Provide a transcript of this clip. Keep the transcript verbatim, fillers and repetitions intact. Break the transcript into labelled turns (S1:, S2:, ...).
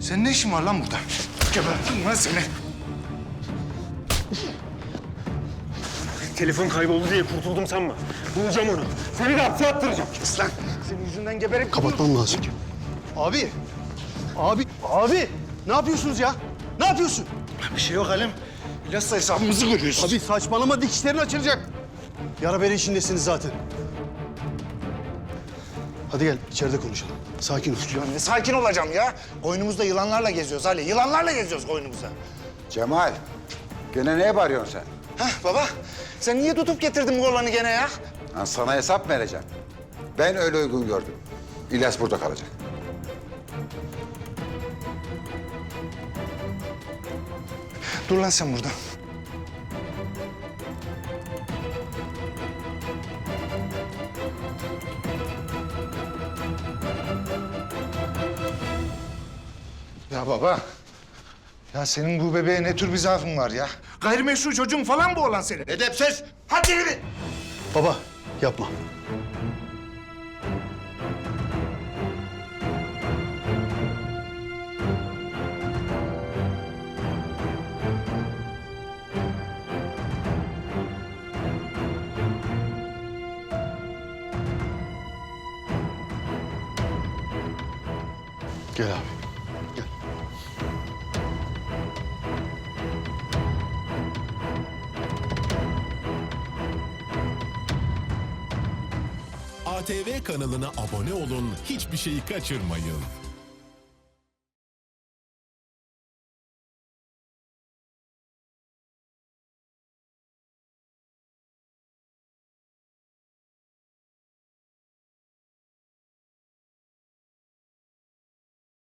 S1: Senin ne işin var lan burada? Gebertim lan seni.
S2: Telefon kayboldu diye kurtuldum sanma. Bulacağım onu. Seni de hapse attıracağım.
S1: Kes lan. Senin yüzünden geberip...
S3: Kapatmam lazım. Abi! Abi! Abi! Ne yapıyorsunuz ya? Ne yapıyorsun?
S1: Bir şey yok Halim. İlyas'la hesabımızı görüyorsun.
S3: Abi saçmalama, dikişlerin açılacak. Yara bere işindesiniz zaten. Hadi gel, içeride konuşalım. Sakin ol.
S1: Ya ne sakin olacağım ya. Koynumuzda yılanlarla geziyoruz Ali. Yılanlarla geziyoruz koynumuzda.
S4: Cemal, gene neye bağırıyorsun sen?
S1: Hah baba, sen niye tutup getirdin bu oğlanı gene ya?
S4: Ha, sana hesap mı vereceğim? Ben öyle uygun gördüm. İlyas burada kalacak.
S1: Dur lan sen burada. Ya baba, ya senin bu bebeğe ne tür bir zaafın var ya? Gayrimeşru çocuğun falan bu olan senin. Edepsiz! Hadi yürü!
S3: Baba, yapma. Gel abi, gel.
S5: A T V kanalına abone olun, hiçbir şeyi kaçırmayın.